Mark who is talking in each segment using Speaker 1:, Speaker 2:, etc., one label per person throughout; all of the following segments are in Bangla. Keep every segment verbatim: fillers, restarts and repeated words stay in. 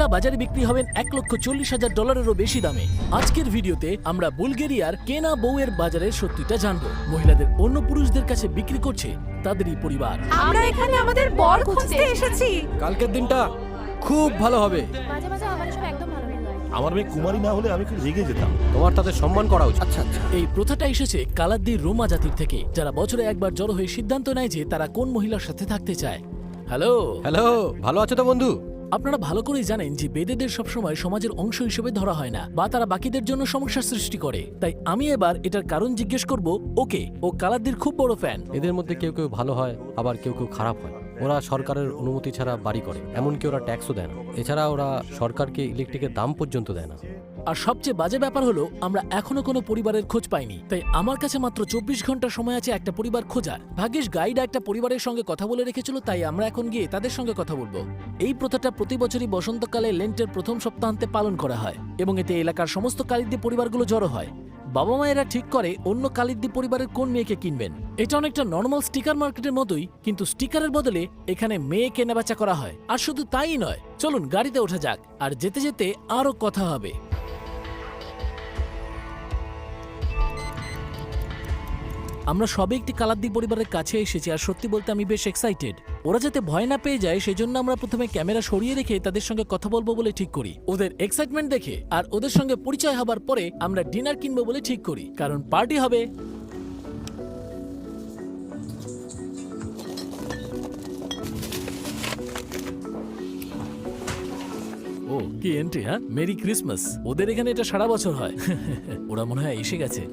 Speaker 1: মহিলা বাজারে বিক্রি হবেন এক লক্ষ চল্লিশ হাজার ডলারেরও বেশি দামে। আজকের ভিডিওতে আমরা বুলগেরিয়ার কেনা বউয়ের বাজারের সত্যিটা জানবো। মহিলাদের অন্য পুরুষদের কাছে বিক্রি করছে তাদেরই পরিবার।
Speaker 2: আমরা এখানে আমাদের বর খুঁজতে এসেছি।
Speaker 3: কালকের দিনটা খুব ভালো হবে।
Speaker 2: মাঝে মাঝে আমার সব একদম ভালো লাগে।
Speaker 4: আমার মেয়ে কুমারী না হলে আমি খুব রেগে যেতাম।
Speaker 3: তোমার তাদের সম্মান করা উচিত। আচ্ছা আচ্ছা।
Speaker 1: এই প্রথাটা এসেছে কালাদ্দির রোমা জাতির থেকে, যারা বছরে একবার জড়ো হয়ে সিদ্ধান্ত নেয় যে তারা কোন মহিলার সাথে থাকতে চায়। হ্যালো
Speaker 3: হ্যালো, ভালো আছো তো বন্ধু?
Speaker 1: আপনারা ভালো করেই জানেন যে বেদেদের সবসময় সমাজের অংশ হিসেবে ধরা হয় না, বা তারা বাকিদের জন্য সমস্যা সৃষ্টি করে। তাই আমি এবার এটার কারণ জিজ্ঞেস করব ওকে। ও কালাদ্দির খুব বড় ফ্যান।
Speaker 3: এদের মধ্যে কেউ কেউ ভালো হয়, আবার কেউ কেউ খারাপ হয়। ওরা সরকারের অনুমতি ছাড়া বাড়ি করে, এমনকি ওরা ট্যাক্সও দেয় না। এছাড়া ওরা সরকারকে ইলেকট্রিকের দাম পর্যন্ত দেয় না।
Speaker 1: আর সবচেয়ে বাজে ব্যাপার হলো আমরা এখনো কোনো পরিবারের খোঁজ পাইনি। তাই আমার কাছে মাত্র চব্বিশ ঘন্টা সময় আছে একটা পরিবার খোঁজার। ভাগ্যিস গাইড একটা পরিবারের সঙ্গে কথা বলে রেখেছিল, তাই আমরা এখন গিয়ে তাদের সঙ্গে কথা বলবো। এই প্রথাটা প্রতি বছরই বসন্তকালে লেন্টের প্রথম সপ্তাহান্তে পালন করা হয়, এবং এতে এলাকার সমস্ত কালিদ্দি পরিবারগুলো জড়ো হয়। বাবা মায়েরা ঠিক করে অন্য কালিদ্দি পরিবারের কোন মেয়েকে কিনবেন। এটা অনেকটা নর্মাল স্টিকার মার্কেটের মতোই, কিন্তু স্টিকারের বদলে এখানে মেয়ে কেনাবেচা করা হয়। আর শুধু তাই নয়, চলুন গাড়িতে ওঠা যাক, আর যেতে যেতে আরো কথা হবে। আমরা সবে একটি কালাদ্দি পরিবারের কাছে এসেছি, আর সত্যি বলতে আমি বেশ এক্সাইটেড। ওরা যাতে ভয় না পেয়ে যায় সেজন্য আমরা প্রথমে ক্যামেরা সরিয়ে রেখে তাদের সঙ্গে কথা বলবো বলে ঠিক করি। ওদের এক্সাইটমেন্ট দেখে আর ওদের সঙ্গে পরিচয় হবার পরে আমরা ডিনার কিনবো বলে ঠিক করি, কারণ পার্টি হবে। ও কি এন্ট্রি! হ্যাঁ, মেরি ক্রিসমাস। ওদের এখানে এটা সারা বছর হয়। ওরা মনে হয় এসে গেছে।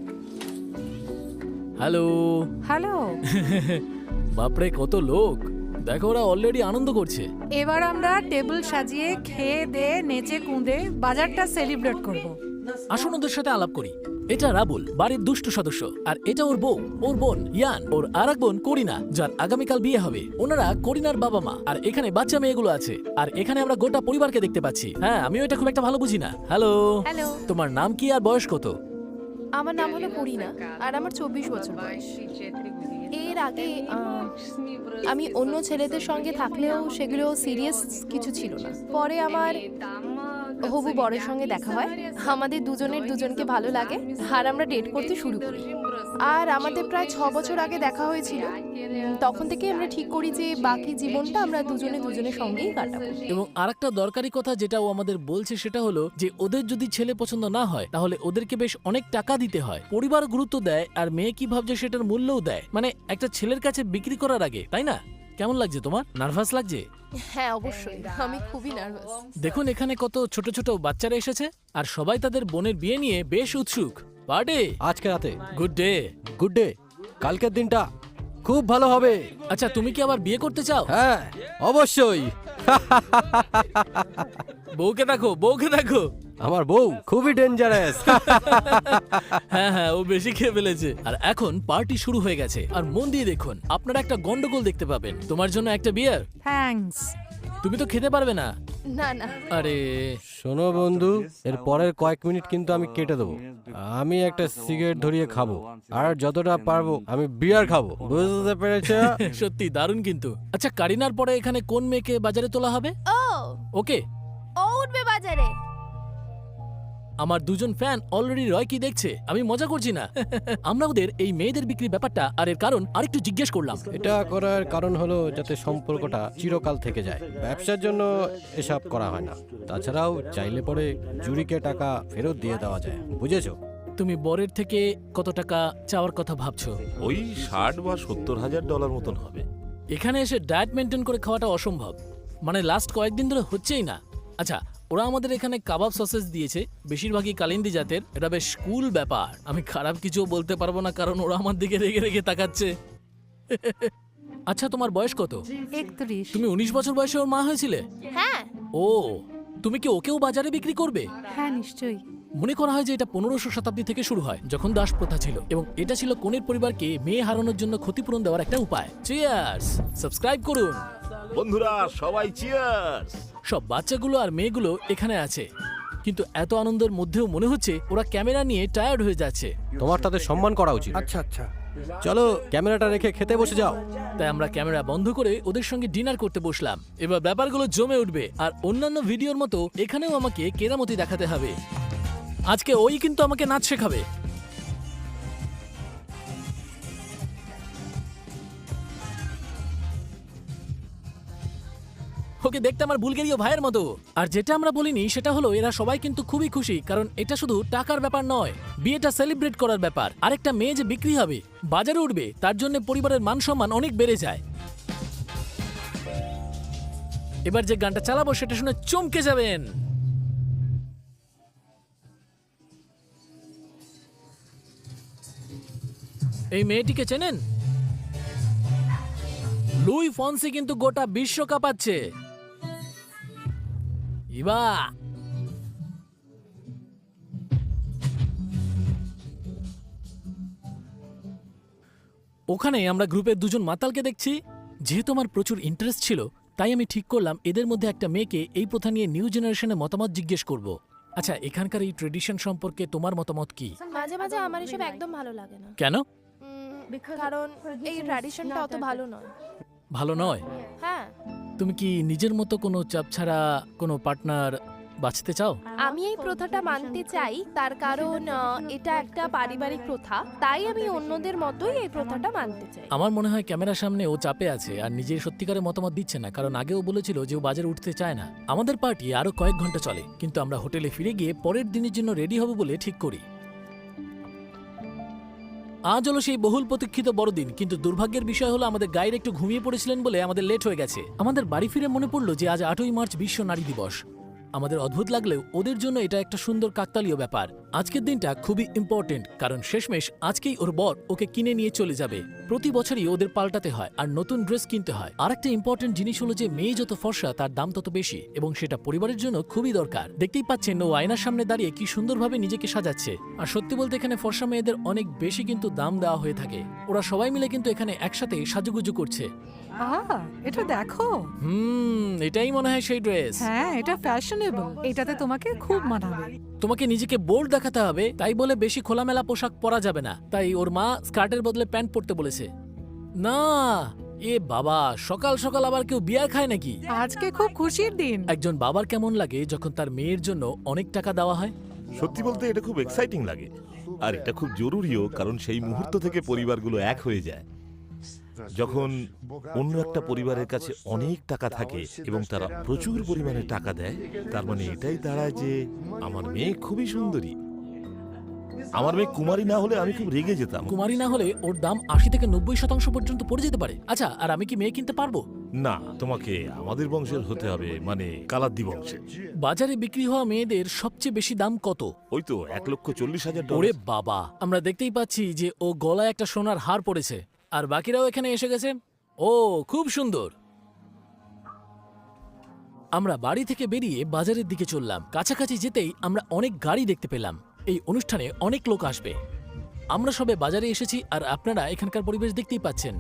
Speaker 1: Hello
Speaker 2: hello.
Speaker 1: বাপরে কত লোক! দেখো, ওরা অলরেডি আনন্দ করছে।
Speaker 2: এবার আমরা টেবিল সাজিয়ে খেয়ে দে নেচে কুঁদে বাজারটা সেলিব্রেট করব।
Speaker 1: আসুন ওদের সাথে আলাপ করি। এটা রাবুল, বাড়ির দুষ্ট সদস্য, আর এটা ওর বউ, ওর বোন ইয়ান, ওর আর এক বোন করিনা, যার আগামীকাল বিয়ে হবে। ওনারা করিনার বাবা মা, আর এখানে বাচ্চা মেয়েগুলো আছে। আর এখানে আমরা গোটা পরিবারকে দেখতে পাচ্ছি। হ্যাঁ, আমিও এটা খুব একটা ভালো বুঝি না। হ্যালো
Speaker 5: হ্যালো,
Speaker 1: তোমার নাম কি আর বয়স কত?
Speaker 5: আমার নাম হলো করিনা, আর আমার চব্বিশ বছর বয়স। এর আগে আহ, আমি অন্য ছেলেদের সঙ্গে থাকলেও সেগুলো সিরিয়াস কিছু ছিল না। পরে আমার হবু বরের সঙ্গে দেখা হয়। আমাদের দুজনের দুজনকে ভালো লাগে, আর আমরা ডেট করতে শুরু করি। আর আমাদের প্রায় ছ বছর আগে দেখা হয়েছিল। তখন থেকে আমরা ঠিক করি যে বাকি জীবনটা আমরা দুজনে দুজনের সঙ্গেই কাটাবো।
Speaker 1: এবং আরেকটা দরকারি কথা যেটা ও আমাদের বলছে সেটা হলো যে ওদের যদি ছেলে পছন্দ না হয় তাহলে ওদেরকে বেশ অনেক টাকা দিতে হয়। পরিবার গুরুত্ব দেয়, আর মেয়ে কি ভাবছে সেটার মূল্যও দেয়। মানে একটা ছেলের কাছে বিক্রি করার আগে, তাই না? কেমন লাগছে তোমার? নার্ভাস লাগছে?
Speaker 5: হ্যাঁ, অবশ্যই, আমি খুবই নার্ভাস।
Speaker 1: দেখুন এখানে কত ছোট ছোট বাচ্চারা এসেছে, আর সবাই তাদের বোনের বিয়ে নিয়ে বেশ উৎসুক। পার্টি
Speaker 3: আজকে রাতে
Speaker 1: গুড ডে।
Speaker 3: Good day. কালকের দিনটা খুব ভালো হবে।
Speaker 1: আচ্ছা, তুমি কি আবার বিয়ে করতে চাও?
Speaker 3: হ্যাঁ, অবশ্যই।
Speaker 1: বউকে দেখো, বউকে দেখো।
Speaker 3: আমার বউ খুবই ডেঞ্জারাস।
Speaker 1: হ্যাঁ হ্যাঁ, ও বেশি খেয়ে ফেলেছে। আর এখন পার্টি শুরু হয়ে গেছে, আর মন দিয়ে দেখুন, আপনারা একটা গন্ডগোল দেখতে পাবেন। তোমার জন্য একটা বিয়ার।
Speaker 2: থ্যাঙ্কস।
Speaker 1: তুমি তো খেতে পারবে না।
Speaker 5: না না,
Speaker 1: আরে
Speaker 3: শোনো বন্ধু, এর পরের কয়েক মিনিট কিন্তু আমি কেটে দেবো। আমি একটা সিগারেট ধরিয়ে খাবো, আর যতটা পারবো আমি বিয়ার খাবো। বুঝতে পেরেছো?
Speaker 1: সত্যি দারুণ কিন্তু। আচ্ছা, কারিনার পরে এখানে কোন মেয়েকে বাজারে তোলা হবে?
Speaker 5: ও
Speaker 1: ওকে,
Speaker 5: ও উঠবে বাজারে।
Speaker 1: আমার দুজন ফ্যান অলরেডি রয় কি দেখছে। আমি মজা করছি না। আমরা ওদের এই মেয়েদের বিক্রি ব্যাপারটা আর এর কারণ আরেকটু জিজ্ঞেস করলাম।
Speaker 3: এটা করার কারণ হলো যাতে সম্পর্কটা চিরকাল থেকে যায়। ব্যবসার জন্য এসব করা হয় না। তাছাড়াও চাইলে পরে জুরিকে টাকা ফেরত দিয়ে দেওয়া যায়। বুঝেছো?
Speaker 1: তুমি বরের থেকে কত টাকা চাওয়ার কথা ভাবছো?
Speaker 4: ওই ষাট বা সত্তর হাজার ডলার মতন হবে।
Speaker 1: এখানে এসে ডায়েট মেনটেন করে খাওয়াটা অসম্ভব। মানে লাস্ট কয়েকদিন ধরে হচ্ছেই না। আচ্ছা, ওরা আমাদের এখানে কাবাব সসেস দিয়েছে, বেশিরভাগই কালিন্দি জাতের। এটা বেশ কুল ব্যাপার। আমি খারাপ কিছু বলতে পারবো না, কারণ ওরা আমার দিকে রেগে রেগে তাকাচ্ছে। আচ্ছা, তোমার বয়স কত?
Speaker 2: একত্রিশ।
Speaker 1: তুমি উনিশ বছর বয়সে ওর মা হয়েছিলে?
Speaker 5: হ্যাঁ।
Speaker 1: ও, তুমি কি ওকেও বাজারে বিক্রি করবে?
Speaker 2: হ্যাঁ, নিশ্চয়ই।
Speaker 1: মনে করা হয় যে এটা পনেরোশো শতাব্দী থেকে শুরু হয়, যখন দাস প্রথা ছিল, এবং এটা ছিল কনের পরিবারকে মেয়ে হারানোর জন্য ক্ষতিপূরণ দেওয়ার একটা উপায়। চিয়ার্স! সাবস্ক্রাইব করুন
Speaker 4: বন্ধুরা, সবাই চিয়ার্স।
Speaker 1: সব বাচ্চাগুলো আর মেয়েগুলো এখানে আছে, কিন্তু এত আনন্দের মধ্যেও মনে হচ্ছে ওরা ক্যামেরা নিয়ে টায়ার্ড হয়ে যাচ্ছে।
Speaker 3: তোমার তাদের সম্মান করা উচিত।
Speaker 6: আচ্ছা আচ্ছা।
Speaker 3: চলো ক্যামেরাটা রেখে খেতে বসে যাও।
Speaker 1: তাই আমরা ক্যামেরা বন্ধ করে ওদের সঙ্গে ডিনার করতে বসলাম। এবার ব্যাপারগুলো জমে উঠবে, আর অন্যান্য ভিডিওর মতো এখানেও আমাকে কেরামতি দেখাতে হবে। আজকে ওই কিন্তু আমাকে নাচ শেখাবে। ওকে দেখতে আমার বুলগেরীয় ভাইয়ের মতো। আর যেটা আমরা বলিনি সেটা হলো এরা সবাই কিন্তু খুবই খুশি, কারণ এটা শুধু টাকার ব্যাপার নয়, বিয়েটা সেলিব্রেট করার ব্যাপার। আরেকটা মেয়ে যে বিক্রি হবে, বাজারে উঠবে, তার জন্য পরিবারের মান সম্মান অনেক বেড়ে যায়। এবার যে গানটা চালাবো সেটা শুনে চমকে যাবেন। এই মেয়েটিকে চেনেন? লুই ফন্সি কিন্তু গোটা বিশ্ব কাঁপাচ্ছে। ইবা ওখানে আমরা গ্রুপের দুজন মাতালকে দেখছি। যেহেতু আমার প্রচুর ইন্টারেস্ট ছিল, তাই আমি ঠিক করলাম এদের মধ্যে একটা মেয়েকে এই প্রথা নিয়ে নিউ জেনারেশনের মতামত জিজ্ঞেস করব। আচ্ছা, এখানকার এই ট্রেডিশন সম্পর্কে তোমার মতামত কি?
Speaker 5: মাঝে মাঝে আমার এসব একদম ভালো লাগে না।
Speaker 1: কেন?
Speaker 5: উম, কারণ এই ট্র্যাডিশনটা অত ভালো নয়।
Speaker 1: ভালো নয়?
Speaker 5: হ্যাঁ,
Speaker 1: তুমি কি নিজের মতো কোনো চাপ ছাড়া কোনো পার্টনার বাঁচতে চাও?
Speaker 5: আমি এই প্রথাটা মানতে চাই, তার কারণ আহ, এটা একটা পারিবারিক প্রথা, তাই আমি অন্যদের মতোই এই প্রথাটা মানতে চাই।
Speaker 1: আমার মনে হয় ক্যামেরার সামনে ও চাপে আছে আর নিজের সত্যিকারের মতামত দিচ্ছে না, কারণ আগেও বলেছিল যে ও বাজারে উঠতে চায় না। আমাদের পার্টি আরো কয়েক ঘন্টা চলে, কিন্তু আমরা হোটেলে ফিরে গিয়ে পরের দিনের জন্য রেডি হব বলে ঠিক করি। আজ হলো সেই বহুল প্রতীক্ষিত বড়দিন, কিন্তু দুর্ভাগ্যের বিষয় হলো আমাদের গাইড একটু ঘুমিয়ে পড়েছিলেন বলে আমাদের লেট হয়ে গেছে। আমাদের বাড়ি ফিরে মনে পড়লো যে আজ আটই মার্চ বিশ্ব নারী দিবস। আমাদের অদ্ভুত লাগলেও ওদের জন্য এটা একটা সুন্দর কাকতালীয় ব্যাপার। আজকের দিনটা খুবই ইম্পর্টেন্ট, কারণ শেষমেশ আজকেই ওর বর ওকে কিনে নিয়ে চলে যাবে। প্রতি বছরই ওদের পাল্টাতে হয় আর নতুন ড্রেস কিনতে হয়। আর একটা ইম্পর্টেন্ট জিনিস হলো যে মেয়ে যত ফর্সা তার দাম তত বেশি, এবং সেটা পরিবারের জন্য খুবই দরকার। দেখতেই পাচ্ছেন ও আয়নার সামনে দাঁড়িয়ে কি সুন্দরভাবে নিজেকে সাজাচ্ছে। আর সত্যি বলতে এখানে ফর্সা মেয়েদের অনেক বেশি কিন্তু দাম দেওয়া হয়ে থাকে। ওরা সবাই মিলে কিন্তু এখানে একসাথে সাজুগুজু করছে।
Speaker 2: আহ, এটা দেখো।
Speaker 1: হুম, এটাই মনে হয় সেই ড্রেস।
Speaker 2: হ্যাঁ, এটা ফ্যাশনেবল, এটাতে তোমাকে খুব মানাবে।
Speaker 1: তোমাকে নিজেকে বোল্ড দেখাতে হবে, তাই বলে বেশি খোলামেলা পোশাক পরা যাবে না। তাই ওর মা স্কার্টের বদলে প্যান্ট পরতে বলেছে। না, এ বাবা, সকাল সকাল আবার কেউ বিয়ার খায় নাকি?
Speaker 2: আজকে খুব খুশির দিন।
Speaker 1: একজন বাবার কেমন লাগে যখন তার মেয়ের জন্য অনেক টাকা দেওয়া হয়?
Speaker 4: সত্যি বলতে এটা খুব এক্সাইটিং লাগে, আর এটা খুব জরুরিও, কারণ সেই মুহূর্ত থেকে পরিবারগুলো এক হয়ে যায়। যখন অন্য একটা পরিবারের কাছে অনেক টাকা থাকে এবং তারা প্রচুর পরিমাণে টাকা দেয়, তার মানে এটাই দাঁড়ায় যে আমার মেয়ে খুবই সুন্দরী। আমার মেয়ে কুমারী না হলে আমি খুব রেগে যেতাম।
Speaker 1: কুমারী না হলে ওর দাম আশি থেকে নব্বই শতাংশ পর্যন্ত পড়ে যেতে পারে। আচ্ছা, আর আমি কি মেয়ে কিনতে পারবো?
Speaker 4: না, তোমাকে আমাদের বংশের হতে হবে, মানে কালাদ্দি বংশের।
Speaker 1: বাজারে বিক্রি হওয়া মেয়েদের সবচেয়ে বেশি দাম কত?
Speaker 4: ওই তো এক লক্ষ চল্লিশ হাজার
Speaker 1: ওরে
Speaker 4: ডলার।
Speaker 1: বাবা, আমরা দেখতেই পাচ্ছি যে ও গলায় একটা সোনার হার পড়েছে, আর বাকিরাও এখানে এসে গেছে। ও খুব সুন্দর। আমরা বাড়ি থেকে বেরিয়ে বাজারের দিকে চললাম। কাছাকাছি যেতেই আমরা অনেক গাড়ি দেখতে পেলাম। এই অনুষ্ঠানে অনেক লোক আসবে। আমরা সবে বাজারে এসেছি, আর আপনারা এখানকার পরিবেশ দেখতেই পাচ্ছেন।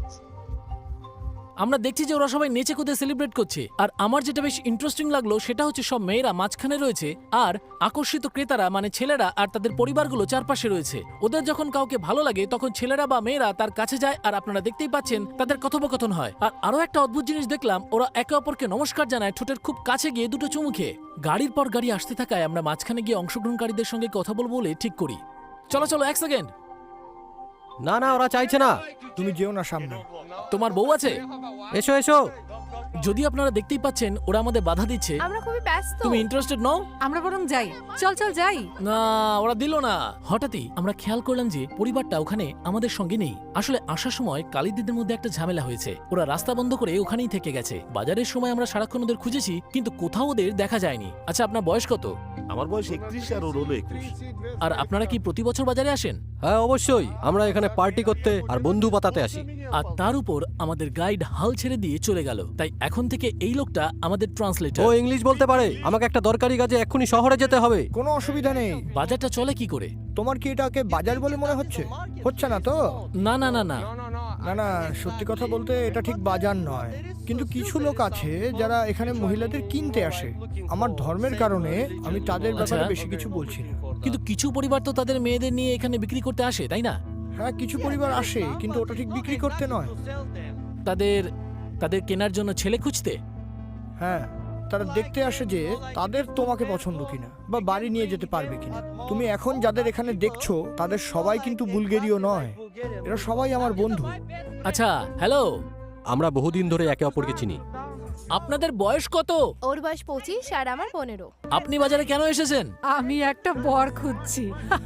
Speaker 1: আমরা দেখছি যে ওরা সবাই নেচে কুদে সেলিব্রেট করছে। আর আমার যেটা বেশ ইন্টারেস্টিং লাগলো সেটা হচ্ছে সব মেয়েরা মাঝখানে রয়েছে, আর আকর্ষিত ক্রেতারা মানে ছেলেরা আর তাদের পরিবারগুলো চারপাশে রয়েছে। ওদের যখন কাউকে ভালো লাগে তখন ছেলেরা বা মেয়েরা তার কাছে যায়, আর আপনারা দেখতেই পাচ্ছেন তাদের কথোপকথন হয়। আর আরো একটা অদ্ভুত জিনিস দেখলাম, ওরা একে অপরকে নমস্কার জানায় ঠোঁটের খুব কাছে গিয়ে দুটো চুমু খেয়ে। গাড়ির পর গাড়ি আসতে থাকায় আমরা মাঝখানে গিয়ে অংশগ্রহণকারীদের সঙ্গে কথা বলবো বলে ঠিক করি। চলো চলো, এক সেকেন্ড।
Speaker 3: না না, ওরা চাইছে না।
Speaker 6: তুমি যেও না সামনে।
Speaker 1: তোমার বউ আছে?
Speaker 3: এসো এসো।
Speaker 1: যদি আপনারা দেখতেই পাচ্ছেন ওরা আমাদের বাধা দিচ্ছে।
Speaker 5: আমরা খুবই ব্যস্ত।
Speaker 1: তুমি ইন্টারেস্টেড নও?
Speaker 2: আমরা বরং যাই। চল চল যাই।
Speaker 1: না, ওরা দিল না। হঠাৎই আমরা খেয়াল করলাম যে পরিবারটা ওখানে আমাদের সঙ্গে নেই। আসলে আসার সময় কালিদিদের মধ্যে একটা ঝামেলা হয়েছে। ওরা রাস্তা বন্ধ করে ওখানেই থেকে গেছে। বাজারের সময় আমরা সারাক্ষণ ওদের খুঁজেছি, কিন্তু কোথাও ওদের দেখা যায়নি। আচ্ছা, আপনার বয়স কত?
Speaker 4: আমার বয়স একত্রিশ আর ওর হলো একুশ।
Speaker 1: আর আপনারা কি প্রতি বছর বাজারে আসেন?
Speaker 3: হ্যাঁ অবশ্যই, আমরা এখানে পার্টি করতে আর বন্ধু পাতাতে আসি।
Speaker 1: আর তার উপর আমাদের গাইড হাল ছেড়ে দিয়ে চলে গেল, তাই এখন থেকে এই লোকটা আমাদের
Speaker 3: ও
Speaker 1: ট্রান্সলেটর।
Speaker 3: ইংলিশ বলতে পারে। আমাকে একটা দরকারি কাজে এক্ষুনি শহরে যেতে হবে।
Speaker 6: কোনো অসুবিধা নেই।
Speaker 1: বাজারটা চলে কি করে?
Speaker 6: তোমার কি এটাকে বাজার বলে মনে হচ্ছে? হচ্ছে না তো?
Speaker 1: না না না না,
Speaker 6: না না, সত্যি কথা বলতে এটা ঠিক বাজার নয়, কিন্তু কিছু লোক আছে যারা এখানে মহিলাদের কিনতে আসে। আমার ধর্মের কারণে আমি তাদের ব্যাপারে
Speaker 1: আচ্ছা।
Speaker 6: বেশি কিছু বলছি না।
Speaker 1: কিন্তু কিছু পরিবার তো তাদের মেয়েদের নিয়ে এখানে বিক্রি করতে আসে, তাই না?
Speaker 6: হ্যাঁ, কিছু পরিবার আসে, কিন্তু ওটা ঠিক বিক্রি করতে নয়।
Speaker 1: তাদের তাদের কেনার জন্য ছেলে খুঁজতে?
Speaker 6: হ্যাঁ, তারা দেখতে আসে যে তাদের তোমাকে পছন্দ কিনা বা বাড়ি নিয়ে যেতে পারবে কিনা। তুমি এখন যাদের এখানে দেখছো তাদের সবাই কিন্তু বুলগেরীয় নয়, এরা সবাই আমার বন্ধু।
Speaker 1: আচ্ছা, হ্যালো,
Speaker 3: আমরা বহুদিন ধরে একে অপরকে চিনি।
Speaker 1: আপনাদের বয়স কত?
Speaker 5: ওর বয়স পঁচিশ আর আমার পনেরো।
Speaker 1: আপনি বাজারে কেন এসেছেন?
Speaker 2: আমি একটা বর খুঁজছি।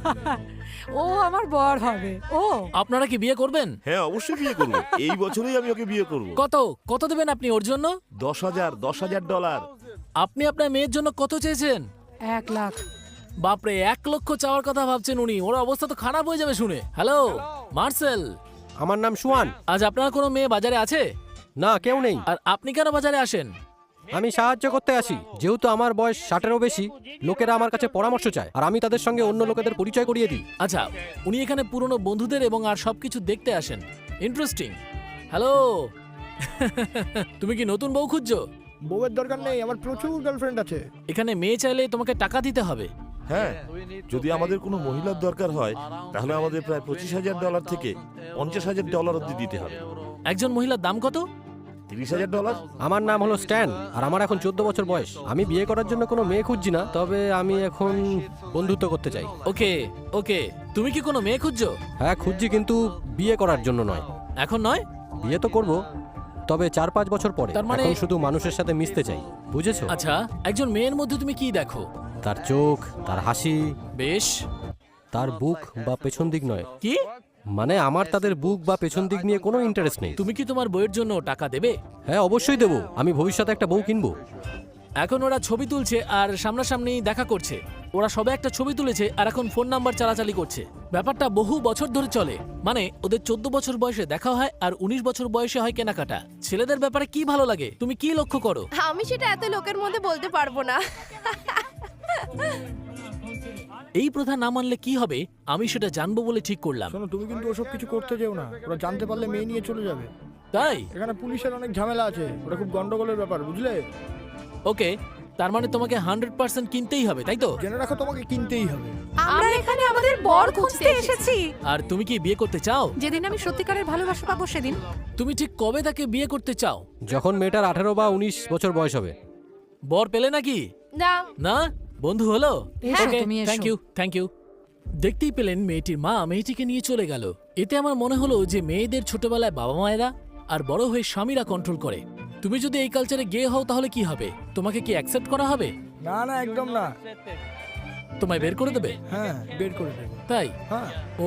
Speaker 2: ও আমার বর হবে। ও
Speaker 1: আপনারা কি বিয়ে করবেন?
Speaker 4: হ্যাঁ, অবশ্যই বিয়ে করবো। এই বছরই আমি ওকে বিয়ে করব।
Speaker 1: কত কত দেবেন আপনি ওর জন্য?
Speaker 4: দশ হাজার দশ হাজার ডলার।
Speaker 1: আপনি আপনার মেয়ের জন্য কত চেয়েছেন?
Speaker 2: এক লাখ।
Speaker 1: বাপরে, এক লক্ষ চাওয়ার কথা ভাবছেন উনি। ওর অবস্থা তো খারাপ হয়ে যাবে শুনে। হ্যালো মার্সেল,
Speaker 3: আমার নাম সুয়ান।
Speaker 1: আজ আপনার কোনো মেয়ে বাজারে আছে?
Speaker 3: না, কেউ নেই।
Speaker 1: আর আপনি কেন বাজারে আসেন?
Speaker 3: আমি সাহায্য করতে আসি। যেহেতু আমার বয়স ষাটেরও বেশি, লোকেরা আমার কাছে পরামর্শ চায়, আর আমি তাদের সঙ্গে অন্য লোকেদের পরিচয় করিয়ে দিই।
Speaker 1: আচ্ছা, উনি এখানে পুরনো বন্ধুদের এবং আর সবকিছু দেখতে আসেন। ইন্টারেস্টিং। হ্যালো তুমি কি নতুন বউ খুঁজছো?
Speaker 6: বউয়ের দরকার নেই, আমার প্রচুর গার্লফ্রেন্ড আছে।
Speaker 1: এখানে মেয়ে চাইলে তোমাকে টাকা দিতে হবে।
Speaker 4: হ্যাঁ, যদি আমাদের কোনো মহিলার দরকার হয় তাহলে আমাদের প্রায় পঁচিশ হাজার ডলার থেকে পঞ্চাশ হাজার ডলার অব্দি দিতে হবে।
Speaker 1: একজন মহিলার দাম কত?
Speaker 4: তিরিশ হাজার ডলার।
Speaker 3: আমার নাম হলো স্ট্যান, আর আমার এখন চোদ্দ বছর বয়স। আমি বিয়ে করার জন্য কোনো মেয়ে খুঁজছি না, তবে আমি এখন বন্ধুত্ব করতে চাই।
Speaker 1: ওকে ওকে, তুমি কি কোনো মেয়ে খুঁজছো?
Speaker 3: হ্যাঁ, খুঁজছি, কিন্তু বিয়ে করার জন্য নয়।
Speaker 1: এখন নয়?
Speaker 3: বিয়ে তো করব, তবে চার পাঁচ বছর পরে।
Speaker 1: তার মানে-
Speaker 3: এখন শুধু মানুষের সাথে মিশতে চাই, বুঝেছো?
Speaker 1: আচ্ছা, একজন মেয়ের মধ্যে তুমি কি দেখো?
Speaker 3: তার চোখ, তার হাসি,
Speaker 1: বেশ।
Speaker 3: তার বুক বা পেছন দিক নয়।
Speaker 1: কি?
Speaker 3: মানে আমার তাদের বুক বা পেছন দিক নিয়ে কোনো ইন্টারেস্ট নেই।
Speaker 1: তুমি কি তোমার বইয়ের জন্য টাকা দেবে?
Speaker 3: হ্যাঁ, অবশ্যই দেবো। আমি ভবিষ্যতে একটা বউ কিনবো।
Speaker 1: এখন ওরা ছবি তুলছে আর সামনাসামনি দেখা করছে। ওরা সবে একটা ছবি তুলেছে আর এখন ফোন নাম্বার চালাচালি করছে। ব্যাপারটা বহু বছর ধরে চলে। মানে ওদের চোদ্দ বছর বয়সে দেখা হয় আর উনিশ বছর বয়সে হয় কেনাকাটা। ছেলেদের ব্যাপারে কি ভালো লাগে তুমি কি লক্ষ্য করো?
Speaker 5: আমি সেটা এত লোকের মধ্যে বলতে পারবো না।
Speaker 1: এই প্রথা না মানলে কি হবে আমি সেটা জানবো বলে ঠিক করলাম।
Speaker 6: শোনো, তুমি কিন্তু ওসব কিছু করতে যেও না, ওরা জানতে পারলে মেয়ে নিয়ে চলে যাবে।
Speaker 1: তাই?
Speaker 6: এখানে পুলিশের অনেক ঝামেলা আছে, ওটা খুব গন্ডগোলের ব্যাপার, বুঝলে?
Speaker 1: ওকে, তার মানে তোমাকে হান্ড্রেড পার্সেন্ট কিনতেই হবে, তাই তো?
Speaker 6: জেনে রাখো, তোমাকে কিনতেই হবে।
Speaker 2: আমরা এখানে আমাদের বর খুঁজতে এসেছি।
Speaker 1: আর তুমি কি বিয়ে করতে চাও?
Speaker 2: যেদিন আমি সত্যিকারের ভালোবাসা পাবো সেদিন।
Speaker 1: তুমি ঠিক কবে তাকে বিয়ে করতে চাও?
Speaker 3: যখন মেয়েটার আঠেরো বা উনিশ বছর বয়স হবে।
Speaker 1: বর পেলে নাকি?
Speaker 5: না,
Speaker 1: না, বন্ধু হলো।
Speaker 2: এসো, তুমি এসো।
Speaker 1: Thank you thank you. দেখতেই পেলেন মেয়েটির মা মেয়েটিকে নিয়ে চলে গেল। এতে আমার মনে হলো যে মেয়েদের ছোটবেলায় বাবা মায়েরা আর বড় হয়ে স্বামীরা কন্ট্রোল করে। তুমি যদি এই কালচারে গে হও তাহলে কি হবে? তোমাকে কি অ্যাকসেপ্ট করা হবে?
Speaker 6: না না, একদম না।
Speaker 1: তোমায় বের করে দেবে?
Speaker 6: হ্যাঁ, বের করে দেবো।
Speaker 1: তাই?
Speaker 6: হ্যাঁ।
Speaker 1: ও,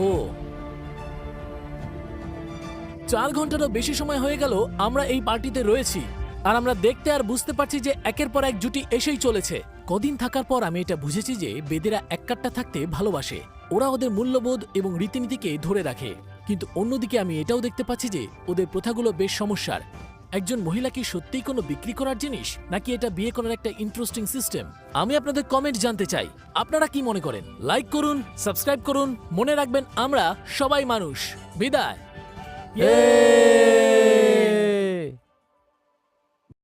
Speaker 1: চার ঘন্টারও বেশি সময় হয়ে গেল আমরা এই পার্টিতে রয়েছি, আর আমরা দেখতে আর বুঝতে পারছি যে একের পর এক জুটি এসেই চলেছে। কদিন থাকার পর আমি এটা বুঝেছি যে বেদেরা এক কাট্টা থাকতে ভালোবাসে। ওরা ওদের মূল্যবোধ এবং রীতিনীতিকে ধরে রাখে। কিন্তু অন্যদিকে আমি এটাও দেখতে পাচ্ছি যে ওদের প্রথাগুলো বেশ সমস্যার। একজন মহিলা কি সত্যিই কোনো বিক্রি করার জিনিস, নাকি এটা বিয়ে করার একটা ইন্টারেস্টিং সিস্টেম? আমি আপনাদের কমেন্ট জানতে চাই, আপনারা কি মনে করেন? লাইক করুন, সাবস্ক্রাইব করুন, মনে রাখবেন আমরা সবাই মানুষ। বিদায়।